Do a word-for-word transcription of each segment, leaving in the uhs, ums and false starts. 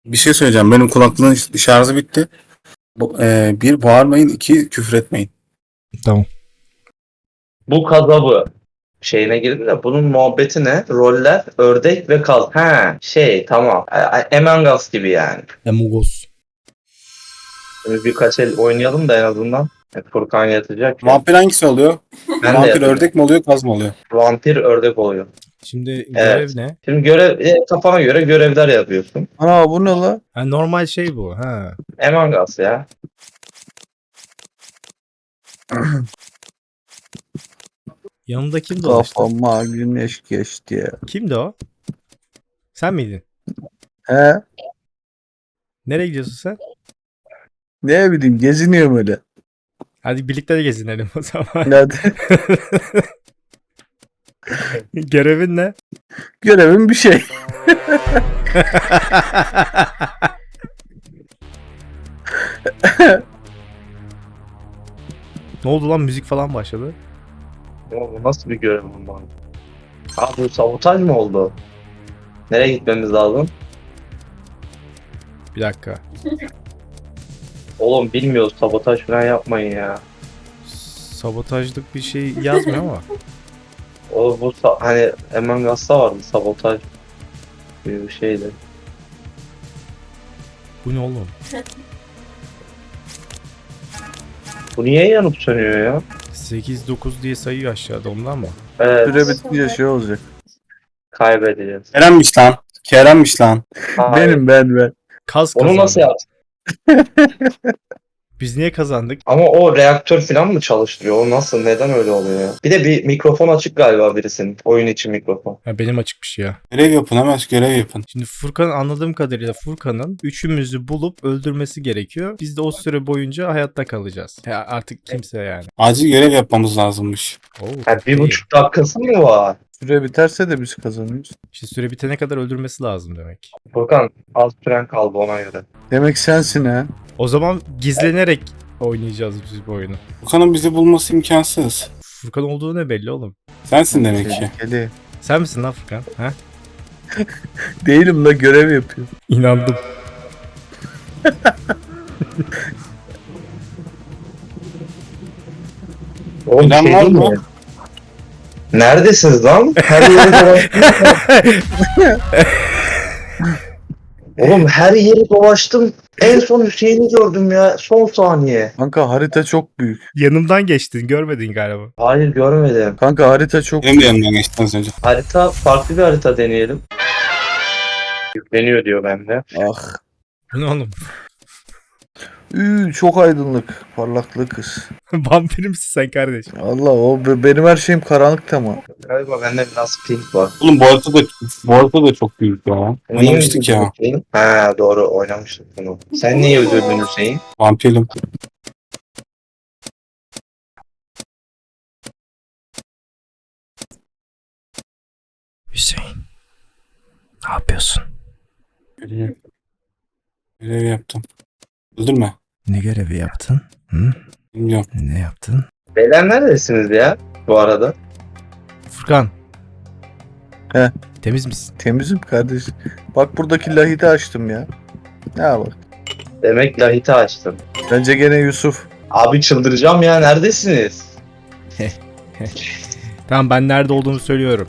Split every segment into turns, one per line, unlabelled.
Bir şey söyleyeceğim. Benim kulaklığın şarjı bitti. Bu, e, bir bağırmayın, iki küfür etmeyin.
Tamam.
Bu kazabı şeyine girdi de bunun muhabbeti ne? Roller, ördek ve kaz. Ha şey tamam. A- A- Among Us gibi yani.
Amogos.
Şimdi birkaç el oynayalım da en azından. E, Furkan yatacak ya.
Vampir hangisi oluyor?
Ben de
Vampir
yatacağım.
ördek mi oluyor, kaz mı oluyor?
Vampir ördek oluyor.
Şimdi
Evet.
görev ne?
Şimdi görev e, kafana göre görevler yapıyorsun.
Ana bu ne la?
Ha, normal şey bu. Ha.
Among Us ya.
Yanında kim dolaştı?
Kafama güneş geçti ya.
Kimdi o? Sen miydin?
He?
Nereye gidiyorsun sen?
Ne bileyim geziniyorum öyle.
Hadi birlikte de gezinelim o zaman.
Hadi.
Görevin ne?
Görevim bir şey.
Ne oldu lan, müzik falan başladı.
Ama bu nasıl bir görev bundan? Ha bu sabotaj mı oldu? Nereye gitmemiz lazım?
Bir dakika.
Oğlum bilmiyoruz, sabotaj falan yapmayın ya.
Sabotajlık bir şey yazmıyor ama.
O bu sa- hani Among Us'ta vardı sabotaj gibi bir şeydi.
Bu ne oğlum?
Bu niye yanıp sönüyor ya?
sekiz dokuz diye sayıyor aşağıda, ondan mı?
Evet,
Süre bitince şey olacak.
kaybedeceğiz.
Kerem'miş lan. Kerem'miş lan.
Hayır.
Benim ben ben.
Kaz
Onu
kazandı.
nasıl yaptın?
Biz niye kazandık?
Ama o reaktör falan mı çalıştırıyor? O nasıl? Neden öyle oluyor ya? Bir de bir mikrofon açık galiba birisinin. Oyun için mikrofon.
Ha, benim açıkmış ya.
Görev yapın, hemen görev yapın.
Şimdi Furkan, anladığım kadarıyla Furkan'ın üçümüzü bulup öldürmesi gerekiyor. Biz de o süre boyunca hayatta kalacağız. Ya artık kimse yani.
Acil görev yapmamız lazımmış.
Oo,
Ha, bir
iyi.
buçuk dakikası mı var?
Süre biterse de biz kazanıyoruz.
İşte süre bitene kadar öldürmesi lazım demek.
Furkan az süren kaldı ona göre.
Demek sensin ha.
O zaman gizlenerek oynayacağız biz bu oyunu.
Furkan'ın bizi bulması imkansız.
Furkan olduğu ne belli oğlum.
Sensin demek ki.
Tehlikeli.
Sen misin lan Furkan? Ha?
Değilim la, görev yapıyorum.
İnandım.
Oğlum
Plan
şey
var
değil
mı?
mi? Neredesiniz lan? Her yere dolaştım. Oğlum her yeri dolaştım. En son Hüseyin'i gördüm ya. Son saniye.
Kanka harita çok büyük.
Yanımdan geçtin, görmedin galiba.
Hayır görmedim.
Kanka harita çok
Benim de
büyük.
yanımdan geçti az önce.
Harita farklı bir harita deneyelim. Yükleniyor diyor bende.
Ah.
Bu ne oğlum?
Üü, çok aydınlık. Parlaklığı kız.
Vampir misin sen kardeş?
Allah o be- benim her şeyim karanlık ama.
Galiba bende biraz pink var.
Oğlum bu harita da, bu harita da çok büyük ya. Oynamıştık ya.
Hüseyin? Ha doğru oynamıştık bunu. Sen niye öldürdün Hüseyin?
Vampirim.
Hüseyin. Ne yapıyorsun?
Görev. Görev yaptım. Öldürme.
Ne görevi yaptın? Hı?
Bilmiyorum.
Ne yaptın?
Beyler neredesiniz ya bu arada?
Furkan.
He.
Temiz misin?
Temizim kardeş. Bak buradaki lahiti açtım ya. Ne bak.
Demek lahiti açtım.
Bence gene Yusuf.
Abi çıldıracağım ya, neredesiniz?
Tamam, ben nerede olduğumu söylüyorum.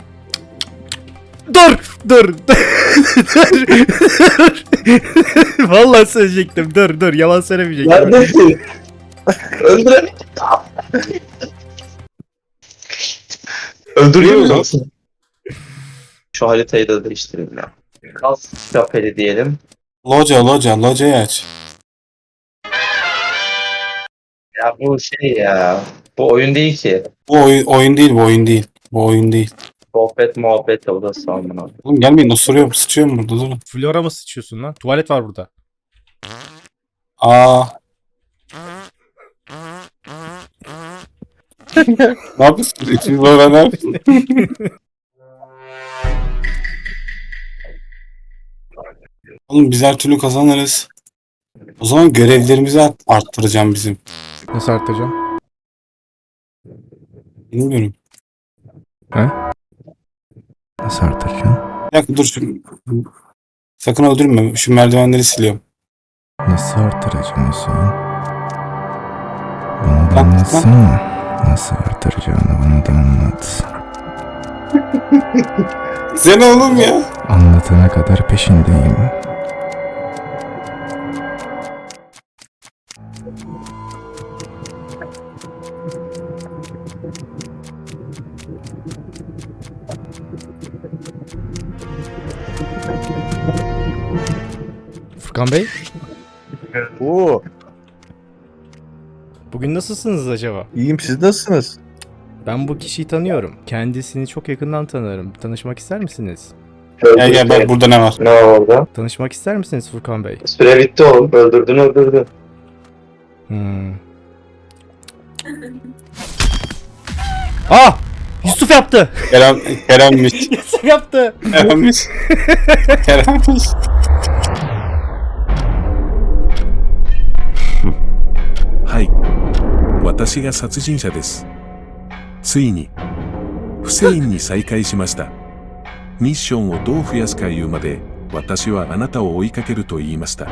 Dur! Dur! Dur! Vallahi söyleyecektim. Dur dur. Yalan söylemeyecektim.
Neredesin? Öldüremedim. Öldürüyor musun? Şu haritayı da değiştireyim ya. Kas şapeli diyelim.
Loca, loca, locayı aç.
Ya bu şey ya. Bu oyun değil ki.
Bu oyun, oyun değil, bu oyun değil. Bu oyun değil.
Sohbet muhabbet de o da sanmına.
Oğlum gelmeyin, osuruyorum, sıçıyorum burada, durun.
Flora mı sıçıyorsun lan? Tuvalet var burada.
Aa. Ne yapıyorsun? İkimiz bana ne yapıyorsun? Oğlum biz her türlü kazanırız. O zaman görevlerimizi art- arttıracağım bizim.
Nasıl arttıracağım?
Bilmiyorum.
He? Nasıl arttıracağım?
Bir dakika dur şu Sakın öldürme. Şu merdivenleri siliyorum.
Nasıl artıracağım Hüseyin? Bana da
Bak,
anlatsana. Nasıl artıracağını bana da anlat.
Sen oğlum ya.
Anlatana kadar peşindeyim. Furkan Bey,
Oo,
bugün nasılsınız acaba?
iyiyim, siz nasılsınız?
Ben bu kişiyi tanıyorum. Kendisini çok yakından tanırım. Tanışmak ister misiniz?
Gel gel bak burada ne var.
Ne var orada?
Tanışmak ister misiniz Furkan Bey?
Süre bitti oğlum. Öldürdün öldürdün.
Hmm. Ah! Yusuf yaptı!
Kerem, Kerem'miş.
Yusuf yaptı!
Kerem'miş. Kerem'miş.
はい私が殺人者ですついにフセインに再会しましたミッションをどう増やすか言うまで私はあなたを追いかけると言いました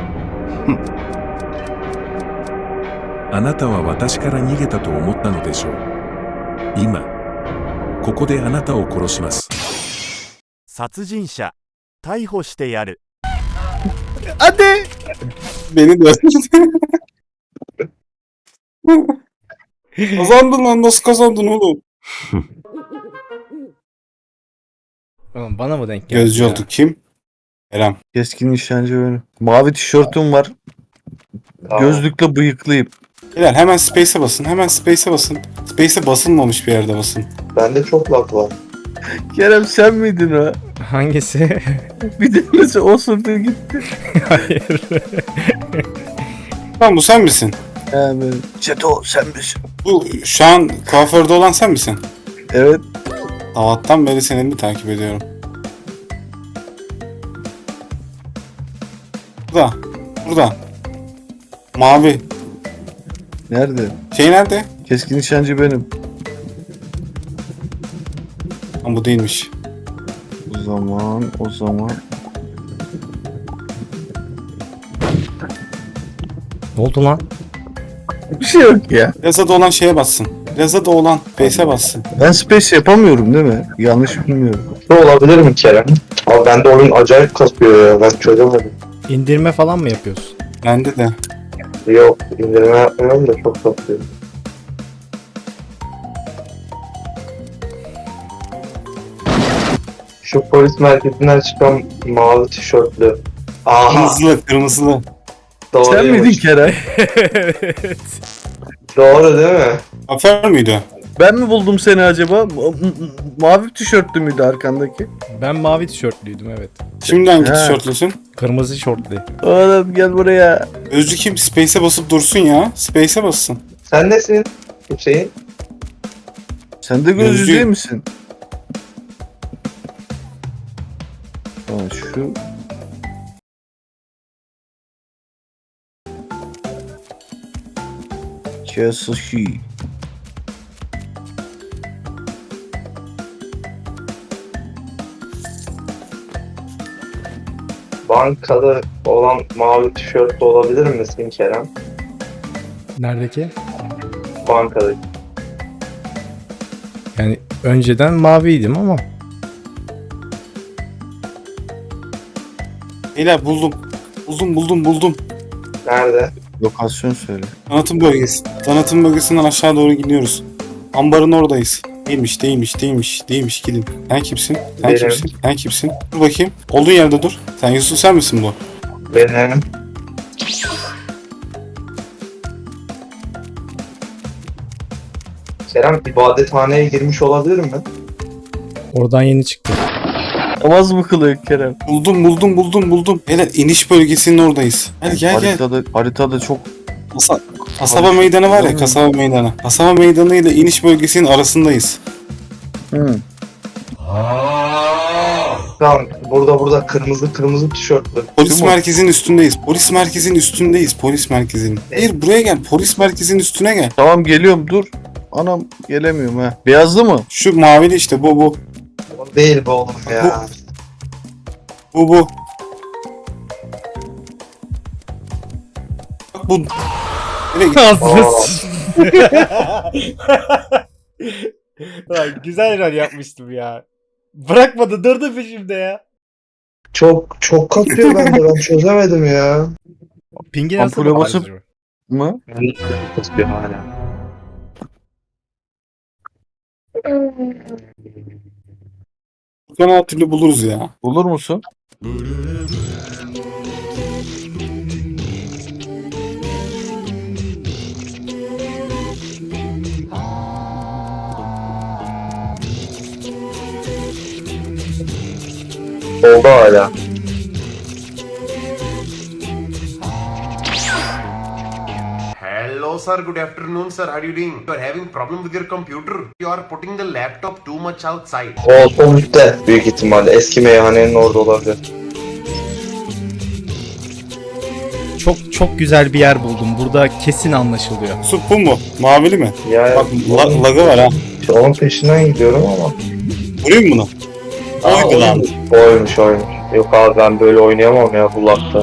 あなたは私から逃げたと思ったのでしょう今ここであなたを殺します
殺人者逮捕してやる
Hadi!
Beni de Kazandın lan, nasıl kazandın oğlum?
Oğlum bana mı denk geldi?
Gözcü
ya?
olduk kim? Kerem.
Keskin nişancı benim. Mavi tişörtüm var.
Tamam.
Gözlükle bıyıklıyım.
Beyler hemen space'e basın. Hemen space'e basın. Space'e basılmamış bir yerde basın.
Bende çok laf var.
Kerem sen miydin o?
Hangisi?
Bir tanesi osurdu gitti.
Hayır.
Lan bu sen misin?
He benim. Çeto sen misin?
Bu şu an kuaförde olan sen misin?
Evet.
Sabahtan beri seni mi takip ediyorum? Burada. Burada. Mavi.
Nerede?
Şey nerede?
Keskin nişancı benim.
Lan bu değilmiş.
O zaman, o zaman.
Ne oldu lan?
Bir şey yok ya.
Plazada olan şeye bassın. Plazada olan Face'e bassın.
Ben space yapamıyorum değil mi? Yanlış bilmiyorum.
Bu olabilir mi Kerem? Abi bende oyun acayip kasıyor ya. Ben çözemedim.
İndirme falan mı yapıyorsun?
Bende de.
Yok indirme yapmıyorum da çok kasıyor. Şu polis merkezinden çıkan mavi tişörtlü. Aha
Kırmızılı, kırmızılı.
doğru.
Sen miydin Kerem?
Evet.
Doğru değil mi?
Kuaför müydü?
Ben mi buldum seni acaba? Ma- m- m- Mavi tişörtlü müydü arkandaki?
Ben mavi tişörtlüydüm evet.
Şimdi hangi
He.
tişörtlüsün?
Kırmızı şortlu.
Oğlum gel buraya.
Gözcü kim? Space'e basıp dursun ya. Space'e bassın.
Sen nesin Hüseyin?
Sen de gözlü
Gözlü.
değil misin? Ha, şu. Kesushi.
Bankada olan mavi tişörtlü olabilir misin Kerem?
Neredeki?
Bankadaki.
Yani önceden maviydim ama.
Beyler buldum. Buldum buldum buldum.
Nerede?
Lokasyon söyle.
Tanıtım bölgesi. Tanıtım bölgesinden aşağı doğru gidiyoruz. Ambarın oradayız. Değilmiş, değilmiş, değilmiş, değilmiş. Gidin. Sen kimsin? Sen
Benim.
kimsin? Sen kimsin? Dur bakayım. Olduğun yerde dur. Sen Yusuf, sen misin bu?
Benim. Kerem ibadethaneye girmiş olabilir mi?
Oradan yeni çıktı.
Namaz mı kılıyor Kerem?
Buldum, buldum, buldum, buldum. Beyler iniş bölgesinin oradayız. Gel gel gel.
haritada, haritada çok
Kasa- kasaba meydanı var ya, kasaba meydanı. Kasaba meydanı ile iniş bölgesinin arasındayız.
Hı.
Tamam burada burada kırmızı kırmızı tişörtlü.
Polis
Değil mi?
merkezinin üstündeyiz. Polis merkezinin üstündeyiz. Polis merkezinin. Hayır, buraya gel. Polis merkezinin üstüne gel.
Tamam geliyorum dur. Anam gelemiyorum ha. Beyazlı mı?
Şu mavili işte, bu bu.
O değil bu oğlum ya.
Bu bu. Bak bu. Nereye gitti?
Ağzına sıç- Lan güzel rol yapmıştım ya. Bırakmadı, durdu peşimde ya.
Çok çok katıyor bende, ben çözemedim ya.
Pingi nasıl
Ampule
bakıyorsun
basıp-
acaba?
Mı?
Katıyor hala.
Furkan'ı her türlü buluruz ya.
Bulur musun?
Oldu hala.
Hello sir, good afternoon sir, how are you doing? You are having problem with your computer. You are putting the laptop too much outside.
O sonuçta büyük ihtimalle eski meyhanenin orada olabilir.
Çok çok güzel bir yer buldum. Burada kesin anlaşılıyor.
Su bu mu? Mavili mi?
Ya
Bak la, lagı var ha.
onun peşinden gidiyorum ama.
Vurayım bunu.
Aa,
Oydu lan.
Oymuş oymuş. Yok abi ben böyle oynayamam ya bu lakta.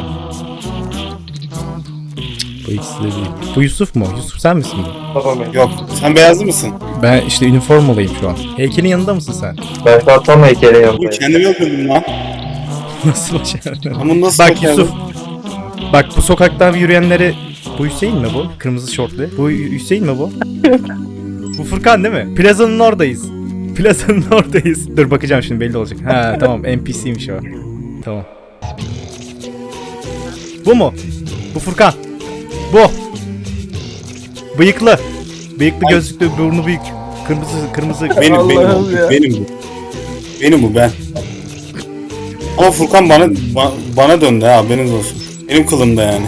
Bu ikisi de değil. Bu Yusuf mu? Yusuf sen misin bu?
Tamam.
Yok. Sen beyazlı mısın?
Ben işte üniformalıyım şu an. Heykelin yanında mısın sen?
Ben şu an tam heykelin
Bu
yanındayım.
kendimi öldürdüm lan.
Nasıl başardın?
Ama nasıl
Bak
başardın?
Yusuf. Bak bu sokakta yürüyenleri... Bu Hüseyin mi bu? Kırmızı şortlu. Bu Hüseyin mi bu? Bu Furkan değil mi? Plazanın oradayız. Plazanın oradayız. Dur bakacağım şimdi, belli olacak. Ha tamam, N P C'ymiş o. Tamam. Bu mu? Bu Furkan. Bu. Bıyıklı. Bıyıklı, gözlüklü, burnu büyük. Kırmızı kırmızı.
Benim benim
Allah'ım
bu.
ya.
Benim bu. Benim bu ben. Ama Furkan bana ba- bana döndü ha, haberiniz olsun. Benim kılımda yani.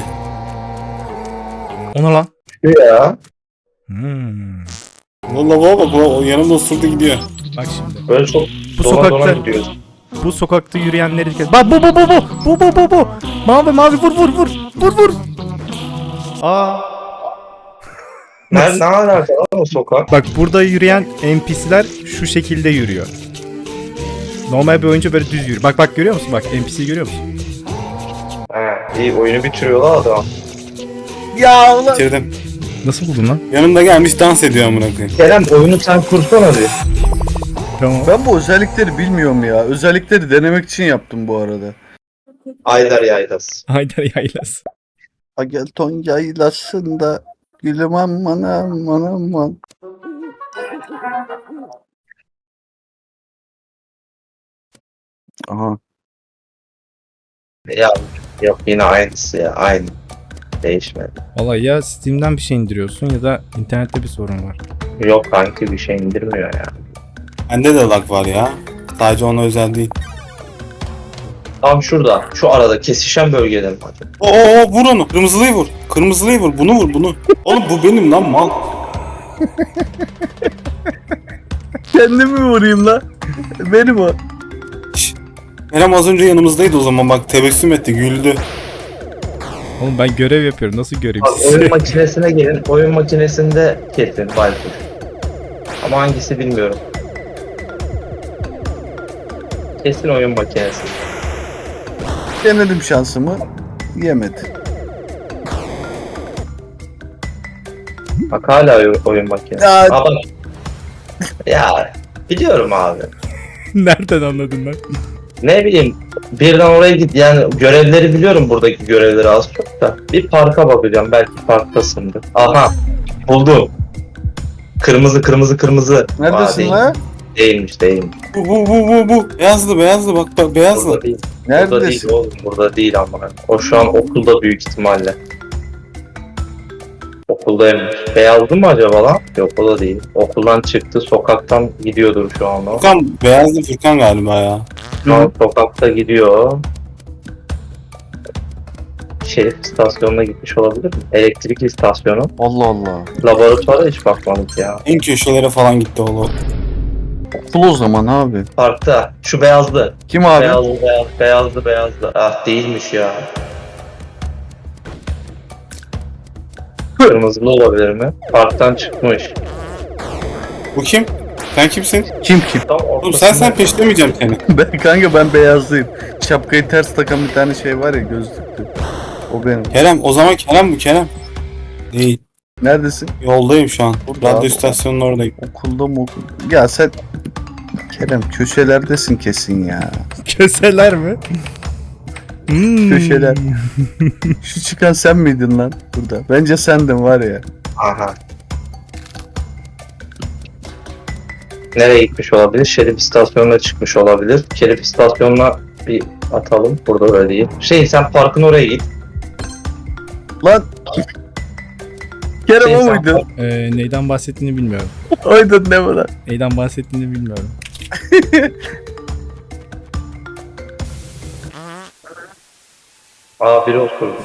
Ona lan.
Şu ya.
Hmm.
Valla baba bak o yanımda osurdu gidiyor.
Bak şimdi.
Böyle çok
Bu
dona dona
sokakta
gidiyoruz.
bu sokakta yürüyenleri kes. Bak bu bu bu bu. Bu bu bu bu. Mavi mavi vur vur vur. Vur vur. Aa.
Nerede, ne alaka lan o sokak?
Bak burada yürüyen N P C'ler şu şekilde yürüyor. Normal bir oyuncu böyle düz yürüyor. Bak bak görüyor musun? Bak N P C'yi görüyor musun?
He iyi, oyunu bitiriyorlar adam.
Ya ulan.
Bitirdim.
Nasıl buldun lan?
Yanımda gelmiş dans ediyor amına koyayım.
Kerem oyunu sen kursana bir.
Tamam.
Ben bu özellikleri bilmiyorum ya. Özellikleri denemek için yaptım bu arada.
Aydar Yaylas.
Haydar Yaylası.
Agelton yaylasında gülüm aman aman aman. Aha.
Ya yok yine aynısı ya, aynı. Değişmedi.
Vallahi ya Steam'den bir şey indiriyorsun ya da internette bir sorun var.
Yok kanki bir şey indirmiyor ya.
Bende de lag var ya. Sadece ona özel değil.
Tam şurada, şu arada kesişen bölgede mi hadi?
Oo vur onu. Kırmızılıyı vur. Kırmızılıyı vur. Bunu vur bunu. Oğlum bu benim lan mal.
Kendimi vurayım la. Benim o.
Kerem az önce yanımızdaydı o zaman bak tebessüm etti güldü.
Oğlum ben görev yapıyorum. Nasıl göreyim
Bak,
sizi?
oyun makinesine gelin, oyun makinesinde kesin Balfour. Ama hangisi bilmiyorum. Kesin oyun makinesi.
Denedim şansımı. Yemedi.
Bak hala oyun, oyun makinesi.
Ya-
Aa, bak. Ya biliyorum abi.
Nereden anladın lan?
Ne bileyim birden oraya git, yani görevleri biliyorum, buradaki görevleri az çok da. Bir parka bakacağım, belki parktasındır. Aha buldum. Kırmızı kırmızı kırmızı. Aa,
Neredesin
değil.
la?
Değilmiş değilmiş.
Bu bu bu bu bu. Beyazlı beyazlı bak bak beyazlı.
Burada değil. Burada değil
Neredesin?
oğlum, burada değil ama. O şu an okulda büyük ihtimalle. Okuldaymış. Beyazlı mı acaba lan? Yok o da değil. Okuldan çıktı, sokaktan gidiyordur şu an o.
Furkan beyazlı Furkan galiba ya.
Şu an sokakta gidiyor. Şerif istasyonuna gitmiş olabilir mi? Elektrik istasyonu.
Allah Allah.
Laboratuvara hiç bakmadık ya.
En köşelere falan gitti oğlum.
Okul o zaman abi.
Parkta. Şu beyazlı.
Kim abi?
Beyazlı, beyaz, beyazlı, beyazlı. Ah değilmiş ya. Kırmızılı olabilir mi? Parktan çıkmış.
Bu kim? Sen kimsin?
Kim kim?
Tam
Oğlum sen sen peşlemeyeceğim seni.
Ben kanka ben beyazlıyım. Şapkayı ters takan bir tane şey var ya, gözlüklü. O benim.
Kerem o zaman Kerem bu Kerem. Değil.
Neredesin?
Yoldayım şu an.
Burada
Radyo
abi.
istasyonunun oradayım.
Okulda mı okulda? Ya sen Kerem köşelerdesin kesin ya.
Köseler mi? Hmm.
Köşeler. Şu çıkan sen miydin lan burada? Bence sendin var ya.
Aha. Nereye gitmiş olabilir? Şerif istasyonuna çıkmış olabilir. Şerif istasyonuna bir atalım. Burada öyle değil. Şey sen parkın oraya git.
Lan Kerem
Şey,
o
sen
muydu?
Ee, neyden bahsettiğini bilmiyorum.
Oydun ne mi lan?
Neyden bahsettiğini bilmiyorum.
Aa biri oturdu.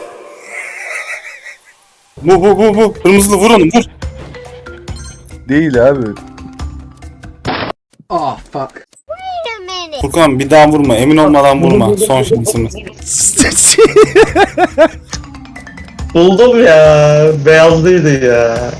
Bu bu bu bu. Kırmızılı vur onu vur.
Değil abi.
Furkan bir daha vurma. Emin olmadan vurma. Son şansımız.
Buldum ya. Beyazlıydı ya.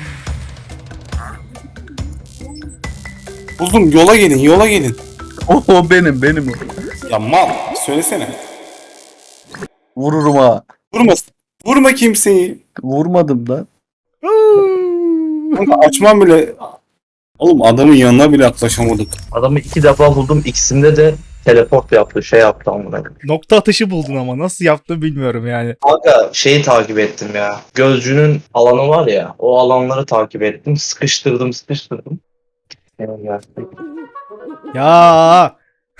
Buldum. Yola gelin. Yola gelin.
O, o benim benim o.
Ya mal. Söylesene.
Vururum ha.
Vurma. Vurma kimseyi.
Vurmadım lan.
Kanka açmam bile. Oğlum adamın yanına bile yaklaşamadık.
Adamı iki defa buldum. İkisinde de teleport yaptı. Şey yaptı amına.
Nokta atışı buldun ama nasıl yaptığını bilmiyorum yani.
Kanka şeyi takip ettim ya. Gözcünün alanı var ya. O alanları takip ettim. Sıkıştırdım sıkıştırdım. Yani gerçekten.
Ya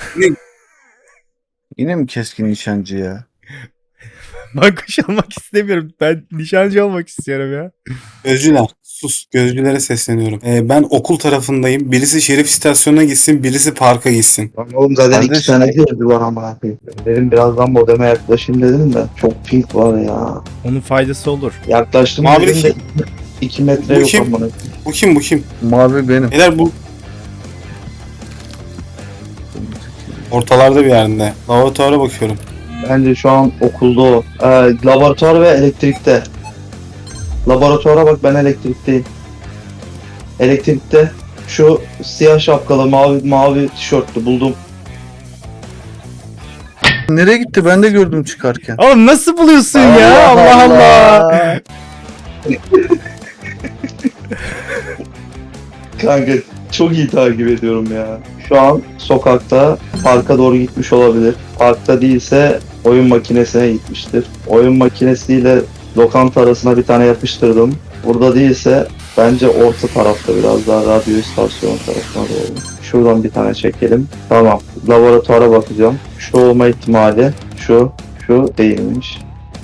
Yine mi keskin nişancı ya?
ben kuş almak istemiyorum. Ben nişancı olmak istiyorum ya.
Gözcüler. Sus. Gözcülere sesleniyorum. Ee, ben okul tarafındayım. Birisi şerif istasyonuna gitsin. Birisi parka gitsin.
Lan oğlum zaten
Kardeş-
iki tane gözcü var ama. Dedim birazdan modeme yaklaşayım dedim de. Çok pink var ya.
Onun faydası olur.
Yaklaştım
Mavi
dedim de
kim?
iki metre
Bu
yok
kim?
amına.
Bu kim bu kim?
Mavi benim.
Beyler bu ortalarda bir yerinde. Laboratuvara bakıyorum.
Bence şu an okulda o. Ee, laboratuvar ve elektrikte. Laboratuvara bak ben elektrikteyim. Elektrikte şu siyah şapkalı mavi mavi tişörtlü buldum.
Nereye gitti? Ben de gördüm çıkarken.
Oğlum nasıl buluyorsun ya? Allah Allah.
Kanka çok iyi takip ediyorum ya. Şu an sokakta parka doğru gitmiş olabilir. Parkta değilse oyun makinesine gitmiştir. Oyun makinesiyle lokanta arasına bir tane yapıştırdım. Burada değilse bence orta tarafta biraz daha radyo istasyonu tarafına doğru. Şuradan bir tane çekelim. Tamam. Laboratuvara bakacağım. Şu olma ihtimali şu, şu değilmiş.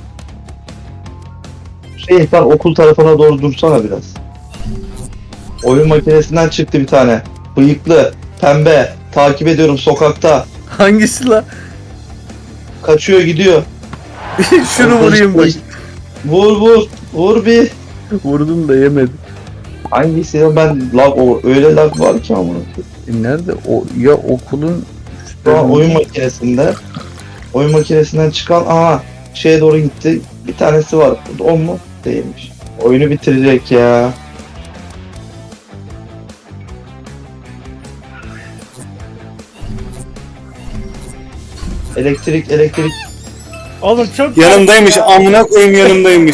Şey sen okul tarafına doğru dursana biraz. Oyun makinesinden çıktı bir tane. Bıyıklı, pembe. Takip ediyorum sokakta.
Hangisi la?
Kaçıyor gidiyor.
Şunu vurayım bak.
Vur vur. Vur bir.
Vurdum da yemedim.
Hangisi ya ben lag o öyle lag var ki ama.
E nerede? O ya okulun
Şu an oyun makinesinde. Oyun makinesinden çıkan aha şeye doğru gitti. Bir tanesi var. O mu? Değilmiş. Oyunu bitirecek ya. Elektrik elektrik.
Oğlum çok
Yanımdaymış. Amına koyayım yanımdaymış.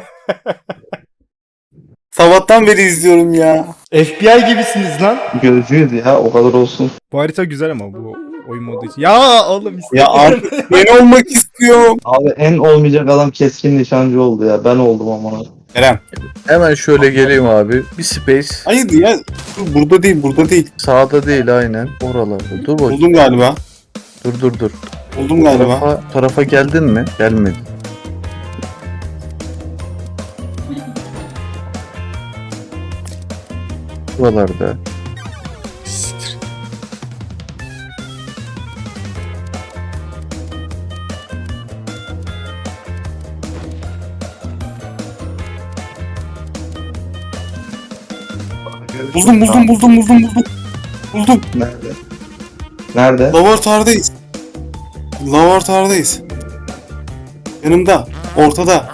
Sabahtan beri izliyorum ya.
F B I gibisiniz lan.
Gözcüydü ya o kadar olsun.
Bu harita güzel ama bu oyun modu için. Ya oğlum
Ya abi ben olmak istiyorum.
Abi en olmayacak adam keskin nişancı oldu ya. Ben oldum ama.
Kerem.
Hemen şöyle geleyim abi. Bir space.
Hayır ya. Dur, burada değil burada değil.
Sağda değil aynen. Oralarda. Dur bak.
Buldum galiba.
Dur dur dur.
Buldum galiba.
Tarafa, tarafa geldin mi? Gelmedi. Buralarda.
Buldum buldum buldum buldum buldum. Buldum.
Nerede? Nerede?
Laboratuvardayız. Laboratuvardayız. Yanımda. Ortada.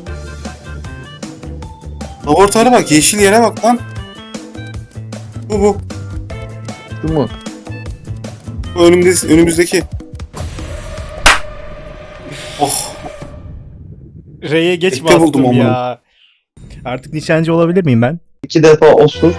Laboratuvara bak. Yeşil yere bak lan. Bu bu.
Şu mu?
Bu önümüz, önümüzdeki. Oh.
R'ye geç
Bekle buldum
bastım
onu.
ya. Artık nişancı olabilir miyim ben?
İki defa osur.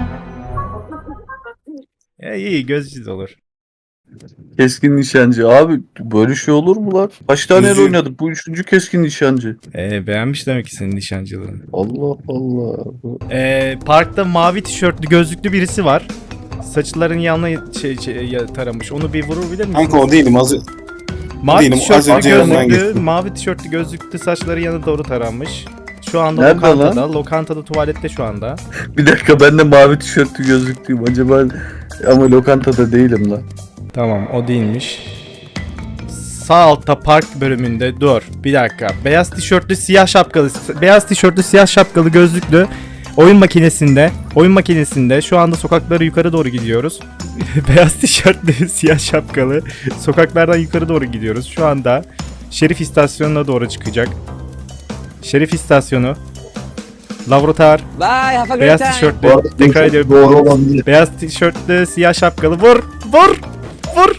Ya iyi gözcü olur.
Keskin nişancı. Abi böyle şey olur mu lan? Kaç tane el
Yüzü-
oynadık? Bu üçüncü keskin nişancı.
Ee, beğenmiş demek ki senin nişancılığını.
Allah Allah.
Ee, parkta mavi tişörtlü gözlüklü birisi var. Saçların yanına şey, şey, ya- taramış. Onu bir vurabilir misin?
Kanka o değilim. Az...
Mavi
değilim, az
tişörtlü
önce yanından
gözlüklü,
geçtim.
mavi tişörtlü gözlüklü saçları yana doğru taranmış. Şu anda
Nerede
lokantada,
lan?
lokantada tuvalette şu anda.
Bir dakika ben de mavi tişörtlü gözlüklüyüm. Acaba ama lokantada değilim lan.
Tamam o değilmiş. Sağ altta park bölümünde dur bir dakika. Beyaz tişörtlü siyah şapkalı beyaz tişörtlü siyah şapkalı gözlüklü oyun makinesinde oyun makinesinde şu anda sokakları yukarı doğru gidiyoruz. Beyaz tişörtlü siyah şapkalı sokaklardan yukarı doğru gidiyoruz. Şu anda Şerif istasyonuna doğru çıkacak. Şerif istasyonu. Laboratuvar.
Bye, have a great
Beyaz
time.
tişörtlü.
Bu arada
Tekrar ediyorum.
doğru olabilir.
Beyaz tişörtlü siyah şapkalı vur vur vur.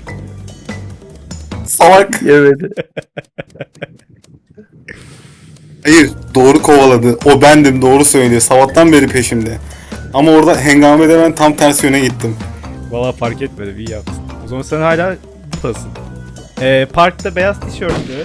Salak.
Evet.
Hayır, doğru kovaladı. O bendim, doğru söylüyor. Sabahtan beri peşimde. Ama orada hengamede ben tam tersi yöne gittim.
Valla fark etmedi iyi yaptın. O zaman sen hala buradasın. Ee, parkta beyaz tişörtlü.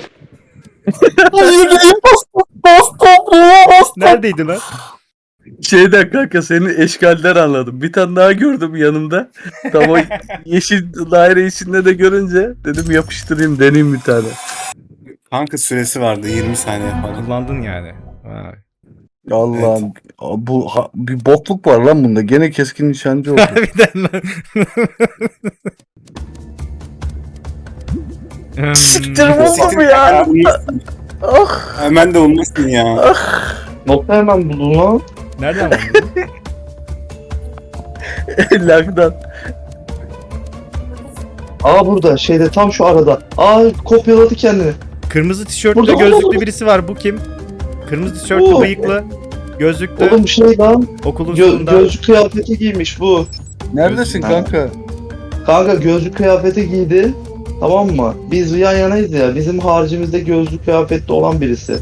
Neredeydin lan?
Şeyden kanka senin eşkalden anladım. Bir tane daha gördüm yanımda. Tam o yeşil daire içinde de görünce dedim yapıştırayım deneyeyim bir tane.
Kanka süresi vardı, yirmi saniye falan.
Kullandın yani. Vay.
Allah'ım bu ha- bir bokluk var lan bunda. Gene keskin nişancı oldu.
Harbiden lan. Hmm,
Siktir
Siktir
oğlum ya.
Ah. Hemen de olmasın ya.
Nokta hemen buldum lan.
Nereden buldun?
Lakdan.
Aa burada şeyde tam şu arada. Aa kopyaladı kendini.
Kırmızı tişörtlü
Burada,
gözlüklü
burada.
birisi var. Bu kim? Kırmızı tişörtlü
Bu.
bıyıklı. Gözlüklü.
Oğlum şey lan.
Okulun
Gö
sonunda.
gözlük kıyafeti giymiş bu.
Neredesin kanka?
Kanka gözlük kıyafeti giydi. Tamam mı? Biz yan yanayız ya. Bizim haricimizde gözlük kıyafetli olan birisi.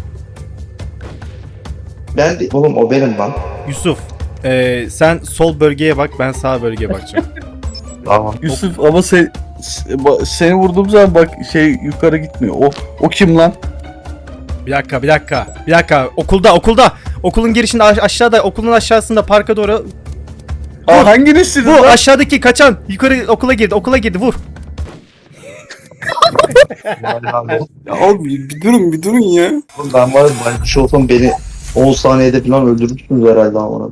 Ben de... Oğlum o benim lan.
Yusuf. ee, sen sol bölgeye bak, ben sağ bölgeye bakacağım.
Tamam.
Yusuf ama sen se- ba- seni vurduğum zaman bak şey yukarı gitmiyor. O o kim lan?
Bir dakika, bir dakika, bir dakika. Okulda, okulda. Okulun girişinde aş- aşağıda, okulun aşağısında parka doğru.
Aa hanginizsiniz
Bu
lan?
aşağıdaki kaçan. Yukarı okula girdi, okula girdi. Vur.
Ya abi bir durun, bir durun ya.
Oğlum ben var ya, ben şu olsam beni on saniyede falan öldürürsünüz herhalde ama.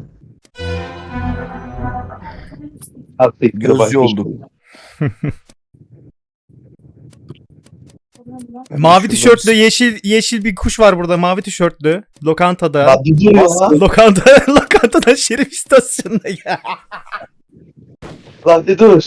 Artık
Gözcü oldu.
Mavi tişörtlü, yeşil yeşil bir kuş var burada. Mavi tişörtlü. Lokantada.
Ya bir dur ya.
Lokanta, lokantada Şerif istasyonunda ya.
Lan bir dur.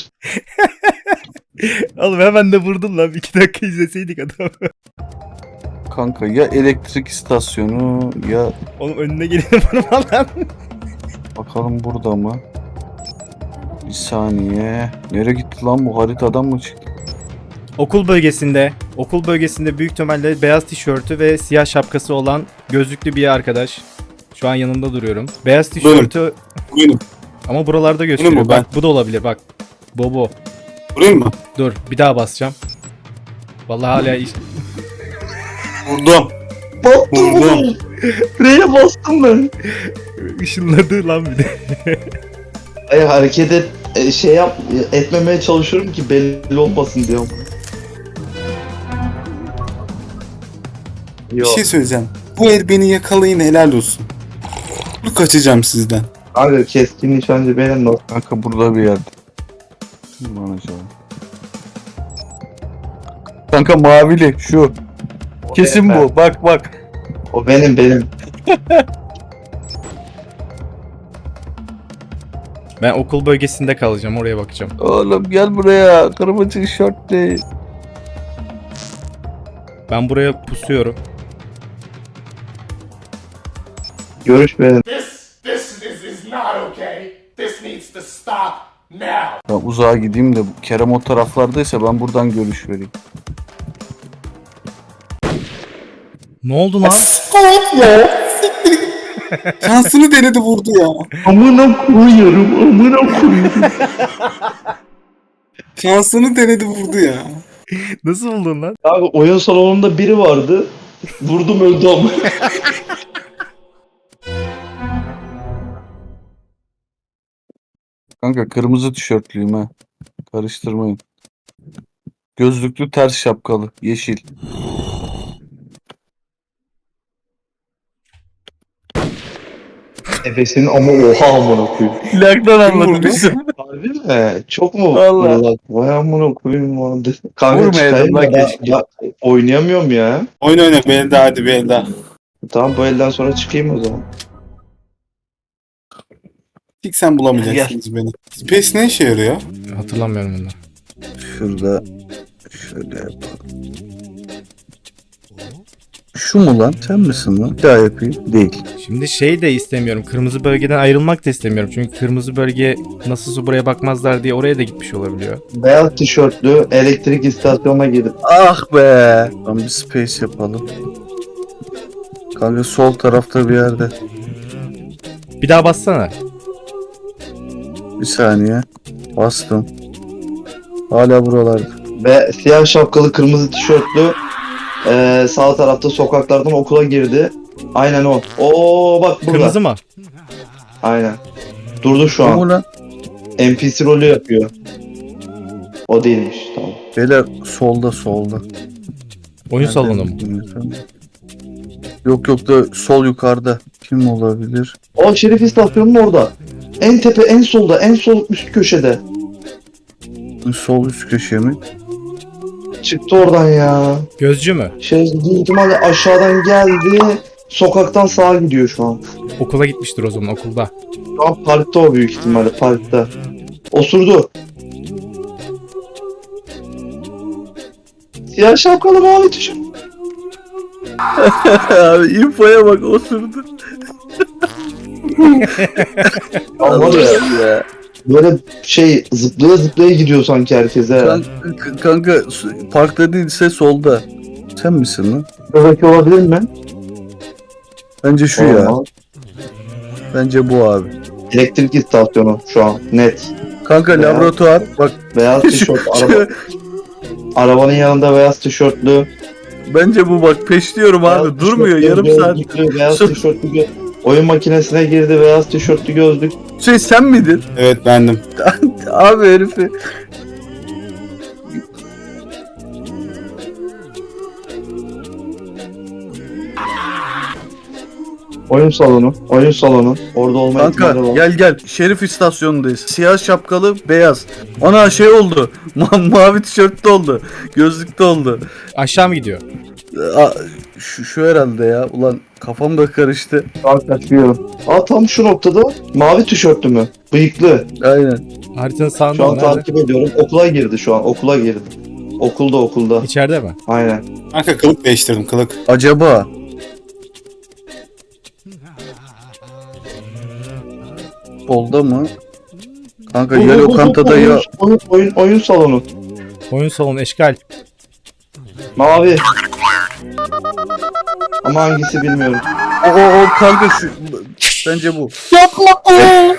Oğlum hemen de vurdun lan. İki dakika izleseydik adamı.
Kanka ya elektrik istasyonu ya
Oğlum önüne geleni vurma lan.
bakalım burada mı? Bir saniye. Nereye gitti lan bu haritadan mı çıktı?
Okul bölgesinde, okul bölgesinde büyük ihtimalle beyaz tişörtü ve siyah şapkası olan gözlüklü bir arkadaş. Şu an yanında duruyorum. Beyaz tişörtü
Buyurun.
ama buralarda gösteriyor.
mu ben?
Bak bu da olabilir bak. Bobo.
Vurayım mı?
Dur bir daha basacağım. Vallahi hala iş...
Vurdum.
Bastım
Vurdum.
oğlum. R'ye bastım ben.
ışınladı lan bir de.
Ay hareket et, e, şey yap, etmemeye çalışıyorum ki belli olmasın diyorum.
Bir
Yok.
şey söyleyeceğim. Bu el beni yakalayın, helal olsun. Bu kaçacağım sizden.
Kanka keskin nişancı benim lan.
Kanka burada bir yerde. Kim lan acaba? Kanka mavili şu. Kesin
benim,
bu. Bak bak.
O benim benim.
Ben okul bölgesinde kalacağım, oraya bakacağım.
Oğlum gel buraya. Kırmızı tişörtlü.
Ben buraya pusuyorum.
Görüş benim.
This, this is, is not okay. This needs to stop now.
Ben uzağa gideyim de Kerem o taraflardaysa ben buradan görüş vereyim.
Ne oldu lan?
Şansını denedi vurdu ya.
Amına koyuyorum, amına koyuyorum.
Şansını denedi vurdu ya.
Nasıl buldun lan?
Abi oyun salonunda biri vardı. Vurdum öldü ama.
Kanka kırmızı tişörtlüyüm ha. Karıştırmayın. Gözlüklü ters şapkalı. Yeşil.
Efes'in ama oha amına koyayım.
Plaktan anladım
vurdu?
bizim.
Harbi mi? Çok mu?
Vallahi.
Vurulak? Vay amına koyayım vardı. Kanka
Vurmayalım
çıkayım
lan
da ben-
keşke.
ya, oynayamıyorum ya.
Oyun oyna bir el daha, hadi bir el daha.
Tamam bu elden sonra çıkayım o zaman.
Hiç sen bulamayacaksınız beni. Space ne işe yarıyor?
Hatırlamıyorum bunu.
Şurada şöyle yapalım. Şu mu lan? Sen misin lan? Bir daha yapayım. Değil.
Şimdi şey de istemiyorum. Kırmızı bölgeden ayrılmak da istemiyorum. Çünkü kırmızı bölge nasılsa buraya bakmazlar diye oraya da gitmiş olabiliyor.
Beyaz tişörtlü elektrik istasyonuna girdim.
Ah be. Tamam bir space yapalım. Kanka sol tarafta bir yerde.
Bir daha bassana.
Bir saniye. Bastım. Hala buralarda.
Ve siyah şapkalı kırmızı tişörtlü eee, sağ tarafta sokaklardan okula girdi. Aynen o. Oo bak burada.
Kırmızı mı?
Aynen. Durdu şu
Bu
an.
mu lan?
N P C rolü yapıyor. O değilmiş. Tamam.
Beyler solda solda.
Oyun salonu mu?
Yok yok da sol yukarıda. Kim olabilir?
O Şerif istasyonunun orada. En tepe, en solda, en sol üst köşede.
Sol üst köşe mi?
Çıktı oradan ya.
Gözcü mü?
Şey, büyük ihtimalle aşağıdan geldi. Sokaktan sağa gidiyor şu an.
Okula gitmiştir o zaman, okulda.
Şu an parkta o büyük ihtimalle, parkta. Osurdu. Siyah şapkalı mavi tişört.
Abi infoya bak osurdu.
Ama var ya,
ya.
böyle şey zıplaya zıplaya gidiyor sanki herkese.
Kanka, kanka parkta değilse solda. Sen misin lan?
Bebek olabilir mi?
Bence şu ya.
Olmaz.
Bence bu abi.
Elektrik istasyonu şu an net.
Kanka
Ya.
laboratuvar bak
Beyaz tişört, araba, arabanın yanında beyaz tişörtlü.
bence bu bak peşliyorum abi
beyaz
durmuyor
tişörtlü,
yarım saat.
gözlüklü, Beyaz
Şu-
tişörtlü gö- oyun makinesine girdi, beyaz tişörtlü gözlük.
Şey sen miydin?
Evet bendim.
Abi herifi.
Oyun salonu, oyun salonu. Orada olma ihtimali
Kanka
var.
gel gel Şerif istasyonundayız. Siyah şapkalı beyaz. Ana şey oldu. Ma- mavi tişörtlü oldu. Gözlüklü oldu.
Aşağı mı gidiyor?
Aa, şu, şu herhalde ya. Ulan kafam da karıştı.
Saat kaçıyor. Aa tam şu noktada mavi tişörtlü mü? Bıyıklı.
Aynen.
Haritanın
Şu
sağında
an
mı? Nerede?
takip ediyorum. Okula girdi şu an. Okula girdi. Okulda okulda.
İçeride mi?
Aynen.
Kanka kılık değiştirdim kılık.
Acaba solda mı? Kanka ya lokantada ya
oyun, oyun, oyun, oyun salonu.
Oyun salonu eşkal.
Mavi. Ama hangisi bilmiyorum.
o, o, o kanka şu bence bu.
Yapma.